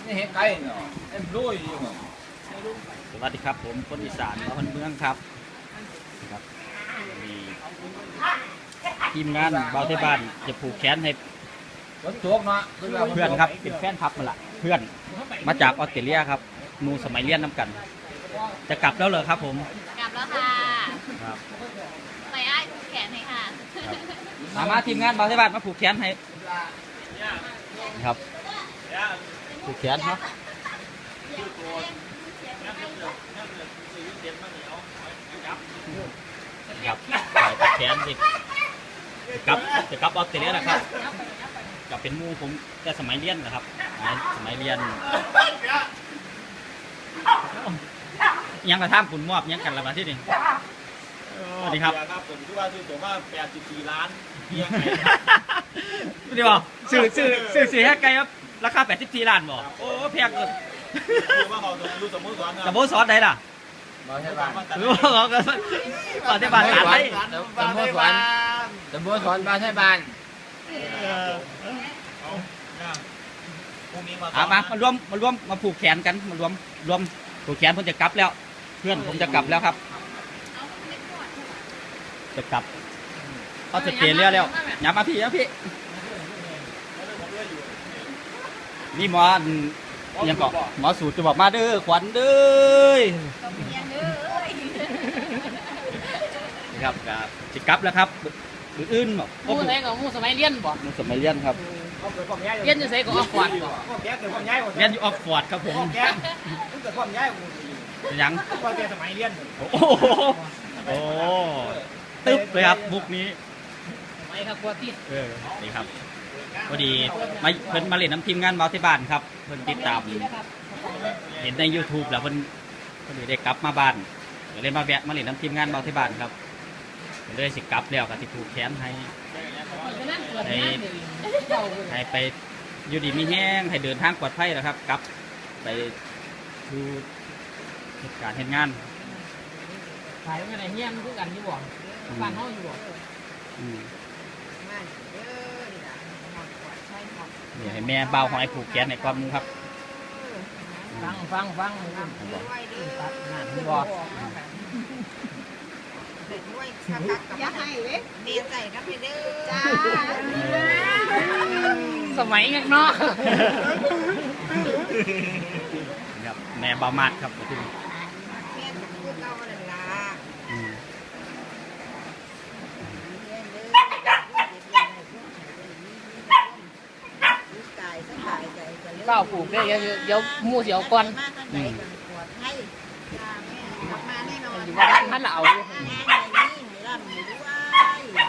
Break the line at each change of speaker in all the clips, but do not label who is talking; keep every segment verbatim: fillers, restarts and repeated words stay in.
นี่เห็นไก่เนาะเอ็มรู้อยู่
สวัสดีครับผมคนอีสานคนเมืองครับครับมีทีมงานเบาเทบ้านจะผูกแขนให้
ฝนตกเนาะ
เพื่อนครับเป็นแฟนพับมาละเพื่อนมาจากออสเตรเลียครับนูสมัยเรียนน้ำกัน จะกลับแล้วเหรอครับผม
กลับแล้วค่ะ
ครับ
ไปอ้ายผูกแขนให้ค่ะ
มามาทีมงานเบาเทบ้านมาผูกแขนให้ครับผูกแขนครับครับใส่แขนสิกลับจะกลับออสเตรเลียนะครับกลับเป็นมูผมแต่สมัยเรียนนะครับสมัยเรียนยังกระทั่งคุณมอบยังกันละมาที่นี่สวัสดีครับ
ครับผมที่ว่าซื้อตัวว่าแปดสิบสี่ล้านเพียง
เดี๋ยวสื่อสื่อสื่อสี่แค่ไกลครับราคาแปดสิบสี่ล้านบอกโอ้แพงเกิน
คือว่าเขาดูสมมติสอน
จะโบสอนไหนล่ะ
มาใช่บ้าน
หรือว่าเขาก็ปฏิบัติการไหน
ตำบลสวนตำบลสวนบ้านใช่บ้าน
พรุ่งนี้มา
เอามามารวมมารวมมาผูกแขนกันมารวมรวมผูกแขนผมจะกลับแล้ว เพื่อนผมจะกลับแล้วครับ จะกลับเขาจะเตะเรือแล้วอย่ามาพี่นะพี่นี่หมอยังเกาะหมอสูตรจะบอกมาเด้อขวัญเด้อครับครับจะกลับแล้วครับหรืออื่นบอก
มูใส่กับมูสมัยเรียนบ่
มันสมัยเรียนครับ
เรียนจะใส่กับออกก่อนบ่
แกเกิดความย้าย
เรียนอยู่ออกฟอร์ดครับผม
แกเกิดความย้าย
ยัง
ก็แกสมัยเรียน
โอ้โหโอ้ตึ๊บเลยครับบุกนี้
สมัยครับกว่าที่
เออนี่ครับพอดีมาเพิ่นมาเล่นน้ำทีมงานเมาที่บ้านครับเพิ่นติดตามเห็นใน ยูทูบ แล้วเพิ่นพอดีได้กลับมาบ้านก็เลยมาแวะมาเล่นน้ำทีมงานเมาที่บ้านครับก็เลยสิกลับแล้วก็สิผูกแขนให้ให้ให้ไปอยู่ดีมีแห้งให้เดินทางปลอดภัยนะครับกลับไปดูเหตุการณ์เหตุงาน
ขายกันไหนเฮียนคือกันอยู่บ่บ้านเฮาอยู่บ่
อืมเดี๋ยวให้แม่เบาหอยผูกแขนในความมือครับ
ฟังฟังฟังนั่นบ่
อย่าให้เว้ยเมียใส่ครับเด้อจ้า
สมัยงั้นเนาะ
ครับแม่เบามาดครับที่
เมียจะพูดเก่านั่นล่ะ
อืม
ตายสบายใจกันเลย
เป้าปลูกได้เดี๋ยวเดี๋ยวหมู่สิเอาก่อน
มาทางไหนกันปวดให้มาแน่นอน
อยู่ว่าบ้านท่านละเอาอยู่
งานไหนนี่มีร่ำมีด้วย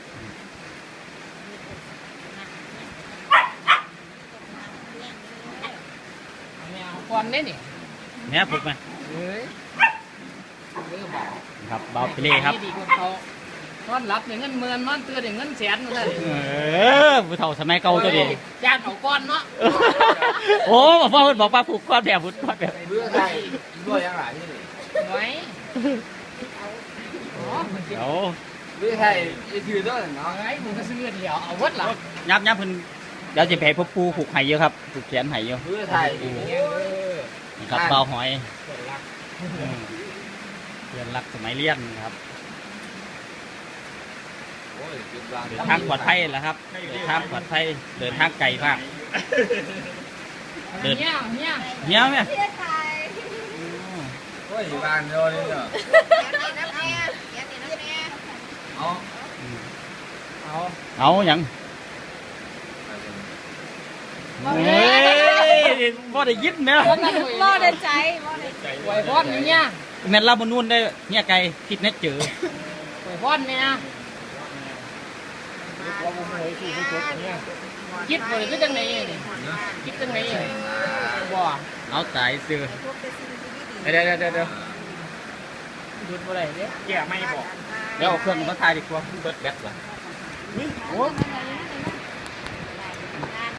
แมวก่อนเด้นี่
แม่ผูกไหม
เอ้ยเด้อบ่
ครับเบาไปเลยครับ
ดีกว่าเขานอนหลับได้เงินหมื่นนอนตื่นได้เงินแสนนั่นแหละ
เออผู้เฒ่าสมัยเก่าตัวดี
ญาติเขาก่อนเนาะ
โอ้บอกว่าบอกว่าผูกก้อนแบบผูกก้อนแบบ
เบื่อไก่ด้วยยังไงที่นี่
ไว้อ๋อ
เดี๋ยว
เบื่อไก่จะถือด้วยเนาะ
ไงมึงก็ซื้อเดียวเอาวัดหลับ
ยับยับเพิ่นเดี๋ยวจะไปพบปูผูกไห่เยอะครับผูกแขนไห่เยอะ
เบื่อไก่
นี่ครับเบาหอยอืมเพื่อนรักสมัยเรียนครับ
โอ้ยจุดวาง
เดินทางปลอดภัยแล้วครับเดินทางปลอดภัยเดินทางไกลมากเดิน
เนี่ยเนี่ย
เหี้ยวไหม
โอ้ยบ้านเดียวนี่เนาะ
แกนี่นะแม่แกนี่นะแม่
เอา
เอา
เอาอย่างเฮ้ยบ่ได้ยินแม่
บ่ได้ใจบ่ได้ใจ
ไหวพอดเนี่ย
แม่นลาบนูนได้เนี่ยไกลคิดแน่เจอ
ไหวพอดเนี่ยคิดบ่ได้คือจังไหนนี่คิดจังไหนบ่
เอาตายซื้อเดี๋ยวเดี๋ยวเดี๋ยวเดี๋ยว
หยุดบ่ได้เด้
แกไม่บอก
เดี๋ยวเอาเครื่องมาถ่ายดีกว่าเบิดแบตละ
โอ้